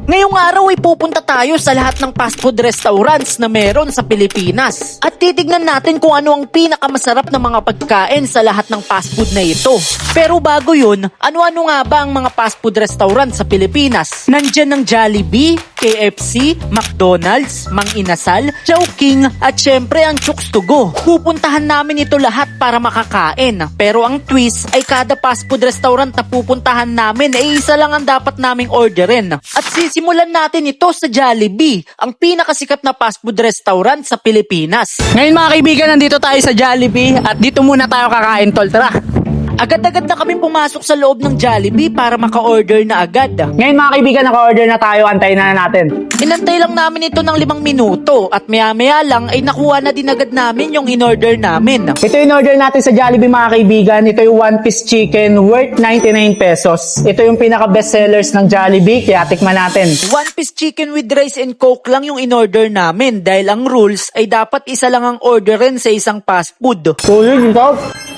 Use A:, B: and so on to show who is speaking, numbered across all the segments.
A: Ngayong araw ay pupunta tayo sa lahat ng fast food restaurants na meron sa Pilipinas. At titignan natin kung ano ang pinakamasarap na mga pagkain sa lahat ng fast food na ito. Pero bago yun, ano-ano nga ba ang mga fast food restaurants sa Pilipinas? Nandyan ang Jollibee, KFC, McDonald's, Mang Inasal, Chowking, at syempre ang Chooks to Go. Pupuntahan namin ito lahat para makakain. Pero ang twist ay kada fast food restaurant na pupuntahan namin ay isa lang ang dapat naming orderin. At sisimulan natin ito sa Jollibee, ang pinakasikat na fast food restaurant sa Pilipinas.
B: Ngayon mga kaibigan, nandito tayo sa Jollibee at dito muna tayo kakain, tol. Tara!
A: Agad-agad na kami pumasok sa loob ng Jollibee para maka-order na agad.
B: Ngayon mga kaibigan, naka-order na tayo. Antayin na natin.
A: Inantay lang namin ito ng 5 minuto at maya-maya lang ay nakuha na din agad namin yung in-order namin.
B: Ito yung order natin sa Jollibee mga kaibigan. Ito yung one-piece chicken worth 99 pesos. Ito yung pinaka-best sellers ng Jollibee, kaya tikman natin.
A: One piece chicken with rice and coke lang yung in-order namin dahil ang rules ay dapat isa lang ang orderin sa isang fast food.
B: Tulog, ikaw.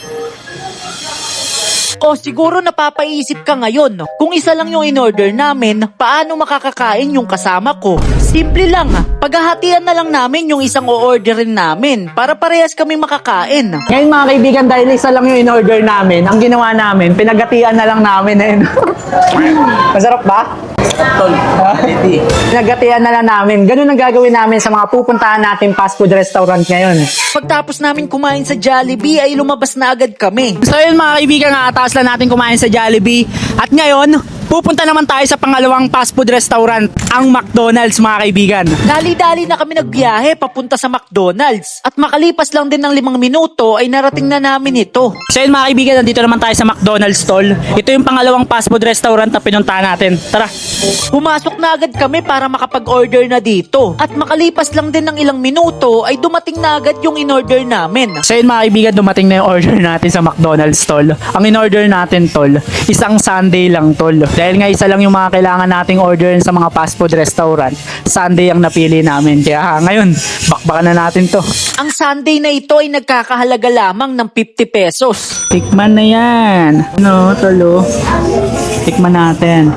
A: O siguro napapaisip ka ngayon, kung isa lang yung in-order namin, paano makakakain yung kasama ko? Simple lang, paghahatian na lang namin yung isang o-orderin namin para parehas kaming makakain.
B: Ngayon mga kaibigan, dahil isa lang yung in-order namin, ang ginawa namin, pinagatian na lang namin. Masarap ba? Tol, pinagatian na lang namin. Ganun ang gagawin namin sa mga pupuntahan natin fast food restaurant ngayon.
A: Pagtapos namin kumain sa Jollibee ay lumabas na agad kami.
B: So yun mga kaibigan, nakataas lang natin kumain sa Jollibee. At ngayon, pupunta naman tayo sa pangalawang fast food restaurant, ang McDonald's mga kaibigan.
A: Dali-dali na kami nagbiyahe papunta sa McDonald's at makalipas lang din ng 5 minuto ay narating na namin ito.
B: So yun mga kaibigan, nandito naman tayo sa McDonald's stall. Ito yung pangalawang fast food restaurant na pinuntahan natin. Tara!
A: Pumasok na agad kami para makapag-order na dito at makalipas lang din ng ilang minuto ay dumating na agad yung in-order namin.
B: So yun mga kaibigan, dumating na yung order natin sa McDonald's tol. Ang in-order natin tol, isang sundae lang tol. Dahil nga isa lang yung mga kailangan nating orderin sa mga fast food restaurant, sundae ang napili namin. Kaya ngayon, bakbakan na natin to.
A: Ang sundae na ito ay nagkakahalaga lamang ng 50 pesos.
B: Tikman na yan. No, tolo. Tikman natin.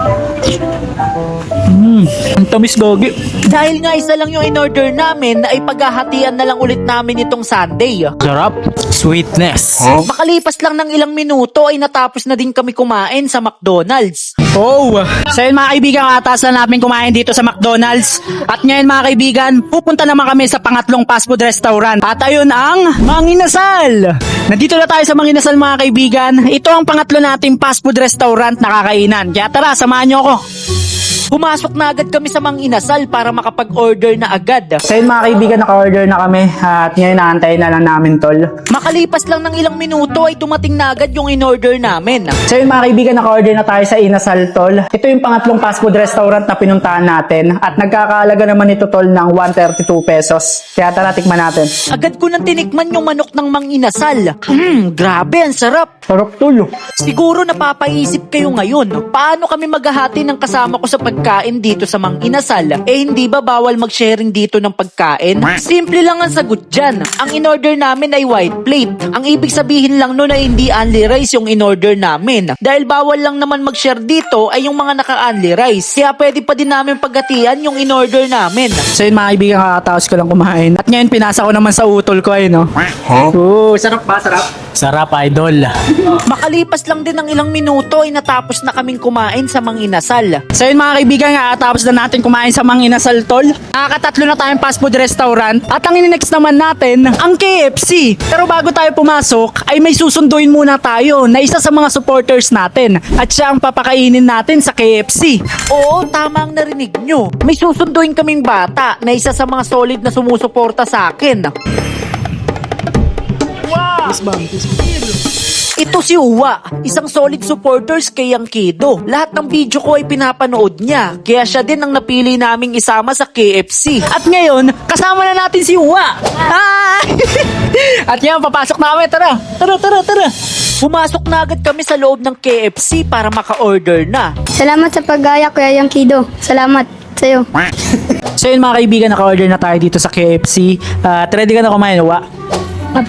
B: Ang tamis gogi.
A: Dahil nga isa lang yung in-order namin ay paghahatian na lang ulit namin itong sundae.
B: Sarap. Sweetness.
A: Makalipas lang ng ilang minuto ay natapos na din kami kumain sa McDonald's.
B: Oh! So yun mga kaibigan, atas na namin kumain dito sa McDonald's. At ngayon mga kaibigan, pupunta naman kami sa pangatlong fast food restaurant. At ayun ang Mang Inasal! Nandito na tayo sa Mang Inasal mga kaibigan. Ito ang pangatlo nating fast food restaurant na kakainan. Kaya tara, samahan nyo ako.
A: Pumasok na agad kami sa Mang Inasal para makapag-order na agad.
B: So yun mga kaibigan, naka-order na kami. At ngayon naantayin na lang namin tol.
A: Makalipas lang ng ilang minuto ay dumating na agad yung in-order namin.
B: So yun mga kaibigan, naka-order na tayo sa Inasal tol. Ito yung pangatlong fast food restaurant na pinuntahan natin. At nagkakahalaga naman ito tol ng 132 pesos. Kaya tara, tikman natin.
A: Agad ko nang tinikman yung manok ng Mang Inasal. Grabe, ang sarap.
B: Sarap tol.
A: Siguro napapaisip kayo ngayon, paano kami maghahati ng kasama ko sa pagkain dito sa Mang Inasal? Eh hindi ba bawal mag-sharing dito ng pagkain? Simple lang ang sagot dyan. Ang in-order namin ay white plate. Ang ibig sabihin lang nun ay hindi only rice yung in-order namin. Dahil bawal lang naman mag-share dito ay yung mga naka-only rice. Kaya pwede pa din namin paghatian yung in-order namin.
B: So yun mga kaibigan, kakataos ko lang kumain. At ngayon pinasa ko naman sa utol ko eh, no? Sarap ba? Sarap? Sarap, idol.
A: Makalipas lang din ng ilang minuto ay natapos na kaming kumain sa Mang Inasal.
B: So yun mga kaibigan, kakatapos na natin kumain sa Mang Inasal tol. Nakakatatlo na tayong fast food restaurant. At ang next naman natin, ang KFC. Pero bago tayo pumasok, ay may susunduin muna tayo na isa sa mga supporters natin. At siya ang papakainin natin sa KFC.
A: Oo, tama ang narinig nyo. May susunduin kaming bata na isa sa mga solid na sumusuporta sa akin. Ito si Uwa, isang solid supporters kay Yankido. Lahat ng video ko ay pinapanood niya, kaya siya din ang napili naming isama sa KFC.
B: At ngayon, kasama na natin si Uwa. Hi! At ngayon, papasok na kami. Tara, tara, tara, tara.
A: Pumasok na agad kami sa loob ng KFC para maka-order na.
C: Salamat sa pag-gaya, Kuya Yankido. Salamat sa'yo.
B: So yun mga kaibigan, naka-order na tayo dito sa KFC. At ready ka na kumain, Uwa?
C: Apo.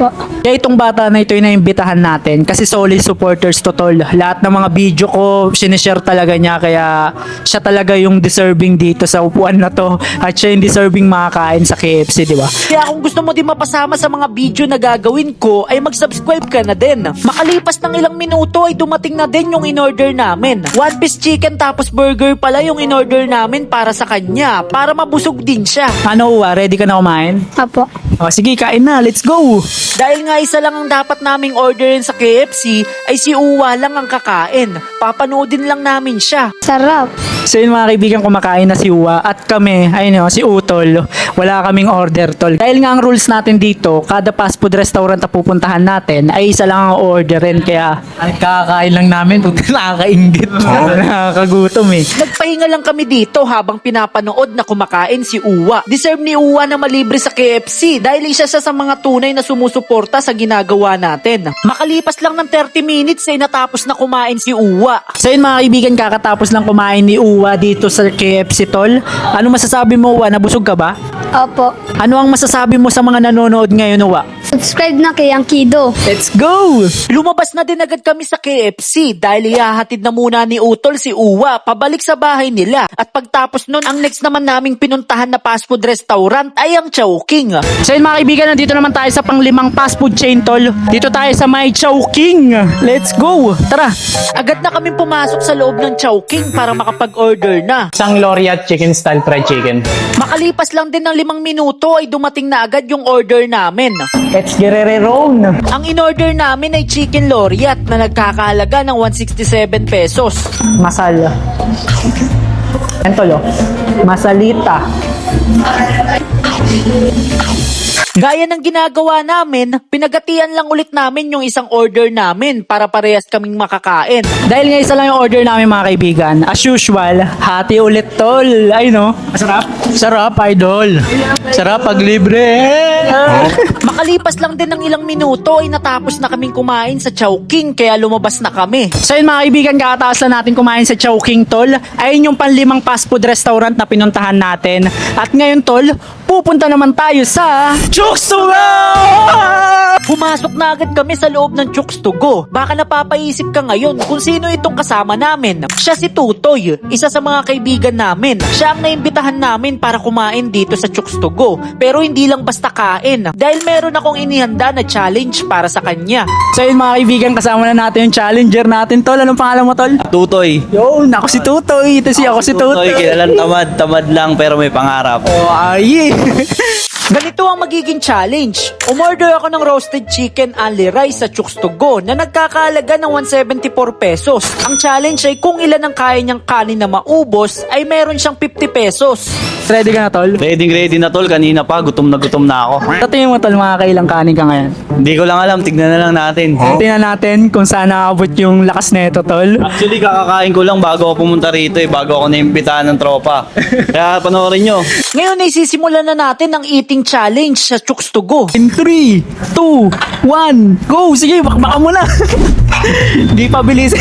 B: Kaya itong bata na ito yung naimbitahan natin kasi solid supporters to tol. Lahat ng mga video ko, sinishare talaga niya kaya siya talaga yung deserving dito sa upuan na to at siya yung deserving makakain sa KFC, di ba?
A: Kaya kung gusto mo din mapasama sa mga video na gagawin ko, ay mag-subscribe ka na din. Makalipas ng ilang minuto ay dumating na din yung in-order namin. One piece chicken tapos burger pala yung in-order namin para sa kanya, para mabusog din siya.
B: Ano, ready ka na kumain?
C: Apo.
B: O sige, kain na, let's go!
A: Dahil nga isa lang ang dapat naming orderin sa KFC, ay si Uwa lang ang kakain. Papanoodin lang namin siya.
C: Sarap.
B: So yun mga kaibigan, kumakain na si Uwa at kami, ayun si Utol, wala kaming order tol. Dahil nga ang rules natin dito, kada fast food restaurant na pupuntahan natin ay isa lang ang orderin kaya kakain lang namin, nakakaingit, nakakagutom eh.
A: Nagpahinga lang kami dito habang pinapanood na kumakain si Uwa. Deserve ni Uwa na malibre sa KFC dahil isa siya sa mga tunay na sumusuporta sa ginagawa natin. Makalipas lang ng 30 minutes ay natapos na kumain si Uwa.
B: So yun mga kaibigan, kakatapos lang kumain ni Uwa dito sa KFC tol. Ano masasabi mo Uwa, nabusog ka ba?
C: Opo.
B: Ano ang masasabi mo sa mga nanonood ngayon Uwa?
C: Subscribe na kay Yang Kido.
B: Let's go!
A: Lumabas na din agad kami sa KFC dahil ihahatid na muna ni Utol si Uwa pabalik sa bahay nila. At pagtapos nun, ang next naman naming pinuntahan na fast food restaurant ay ang Chowking.
B: So yun mga kaibigan, nandito naman tayo sa pang-5 fast food chain tol. Dito tayo sa may Chowking. Let's go! Tara!
A: Agad na kaming pumasok sa loob ng Chowking para makapag-order na.
B: Isang Loriat chicken style fried chicken.
A: Makalipas lang din ng 5 minuto ay dumating na agad yung order namin.
B: Let's get it on!
A: Ang in-order namin ay chicken loriat na nagkakahalaga ng 167 pesos.
B: Masal. Yan tol, masalita.
A: Gaya ng ginagawa namin, pinagatian lang ulit namin yung isang order namin para parehas kaming makakain.
B: Dahil nga isa lang yung order namin mga kaibigan, as usual, hati ulit tol. Ay no? Masarap? Sarap, idol. Sarap pag libre.
A: Makalipas lang din ng ilang minuto ay natapos na kaming kumain sa Chowking kaya lumabas na kami.
B: So yun mga kaibigan, kakataas na natin kumain sa Chowking tol. Ayun yung pang-5 fast food restaurant na pinuntahan natin. At ngayon tol, pupunta naman tayo sa Chooks to Go!
A: Pumasok na agad kami sa loob ng Chooks to Go. Baka napapaisip ka ngayon kung sino itong kasama namin. Siya si Tutoy, isa sa mga kaibigan namin. Siya ang naimbitahan namin para kumain dito sa Chooks to Go. Pero hindi lang basta kain. Dahil meron akong inihanda na challenge para sa kanya.
B: So yun mga kaibigan, kasama na natin yung challenger natin tol. Anong pangalan mo tol?
D: Tutoy.
B: Yun, ako si Tutoy. Ito si ako si Tutoy.
D: Kilalang tamad lang pero may pangarap.
B: Oh, ay.
A: Ganito ang magiging challenge. Umorder ako ng roasted chicken only rice sa Chooks to Go na nagkakahalaga ng 174 pesos. Ang challenge ay kung ilan ang kaya niyang kanin na maubos ay meron siyang 50 pesos.
B: Ready ka na tol?
D: Ready na tol, kanina pa gutom na ako.
B: Sa tingin mo tol, mga kailang kanin ka ngayon?
D: Hindi ko lang alam, tignan na lang natin.
B: Tingnan natin kung saan nakabot yung lakas neto tol.
D: Actually kakakain ko lang bago ako pumunta rito bago ako naimbitahan ng tropa. Kaya panoorin nyo.
A: Ngayon ay sisimulan na natin ang eating challenge sa Chooks to Go.
B: In 3, 2, 1, go! Sige, bakbakan mo na! Di pa bilis.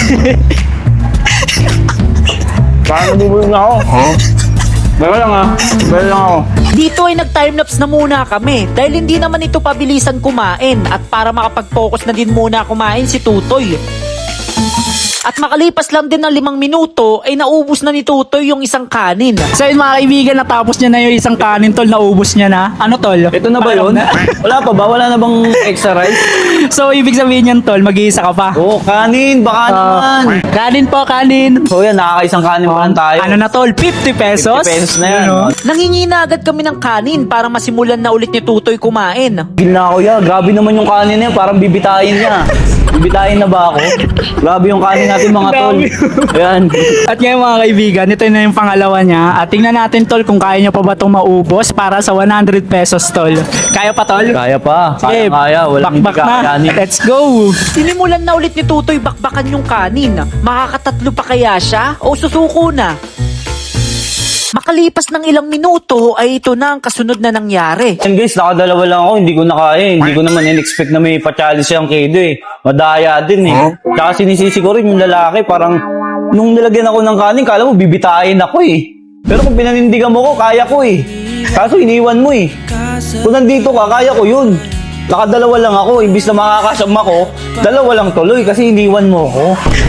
D: Paano bubulong na ako? Bawa lang ako.
A: Dito ay nag-timelapse na muna kami dahil hindi naman ito pabilisan kumain at para makapag-focus na din muna kumain si Tutoy. At makalipas lang din ng 5 minuto ay naubos na ni Tutoy yung isang kanin.
B: So yun mga kaibigan, natapos niya na yung isang kanin tol, naubos niya na. Ano tol?
D: Ito na ba yun? Wala pa ba? Wala na bang extra rice?
B: So ibig sabihin yan tol, mag-iisa ka pa.
D: Oo, kanin. Baka naman.
B: Kanin po, kanin.
D: So yan, nakakaisang kanin pa lang tayo.
B: Ano na tol, 50 pesos?
D: 50 pesos na yan.
B: Yun, oh.
A: Nangingi na agad kami ng kanin para masimulan na ulit ni Tutoy kumain.
D: Gila ko ya, grabe naman yung kanin niya, parang bibitayin niya. Bibitayin na ba ako? Grabe yung kanin natin mga tol. Ayan.
B: At ngayon mga kaibigan, ito na yung pangalawa niya. At tingnan natin tol kung kaya niya pa ba itong maubos para sa 100 pesos tol. Kaya pa tol?
D: Kaya pa.
B: Sige,
D: Kaya. Walang
B: bakbak na.
D: kakayanin.
B: Let's go!
A: Sinimulan na ulit ni Tutoy bakbakan yung kanin. Makakatatlo pa kaya siya o susuko na? Makalipas ng ilang minuto ay ito na ang kasunod na nangyari.
D: And guys, nakadalawa lang ako, hindi ko na kaya eh. Hindi ko naman in-expect na may pa-challenge siyang Kido eh. Madaya din eh. Tsaka sinisisi ko rin yung lalaki, parang nung nilagyan ako ng kanin, kala mo bibitayin ako eh. Pero kung pinanindigan mo ko, kaya ko eh. Kaso iniwan mo eh. Kung nandito ka, kaya ko yun. Nakadalawa lang ako, imbis na makakasama ko, dalawa lang tuloy kasi iniwan mo ako.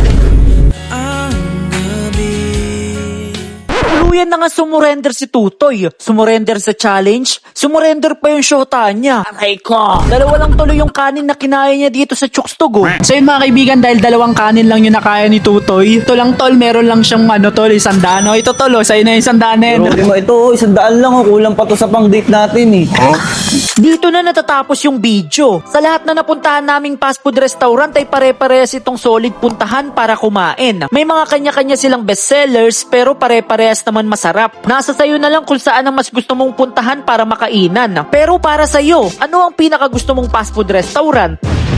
A: Tuluyan na nga sumurrender si Tutoy. Sumurrender sa challenge. Sumurrender pa yung shota niya. Aray ko. Dalawa lang tuloy yung kanin na kinaya niya dito sa Chukstog.
B: So yun mga kaibigan, dahil dalawang kanin lang yung nakaya ni Tutoy. Ito lang tol, meron lang siyang tol, 100. O ito tol, sa'yo na yung 100 na yun.
D: Pero lima ito, 100 lang, kulang pa to sa pang date natin eh.
A: Dito na natatapos yung video. Sa lahat na napuntahan naming fast food restaurant ay pare-parehas itong solid puntahan para kumain. May mga kanya-kanya silang bestsellers pero pare-parehas naman masarap. Nasa sayo na lang kung saan ang mas gusto mong puntahan para makainan. Pero para sa'yo, ano ang pinaka gusto mong fast food restaurant?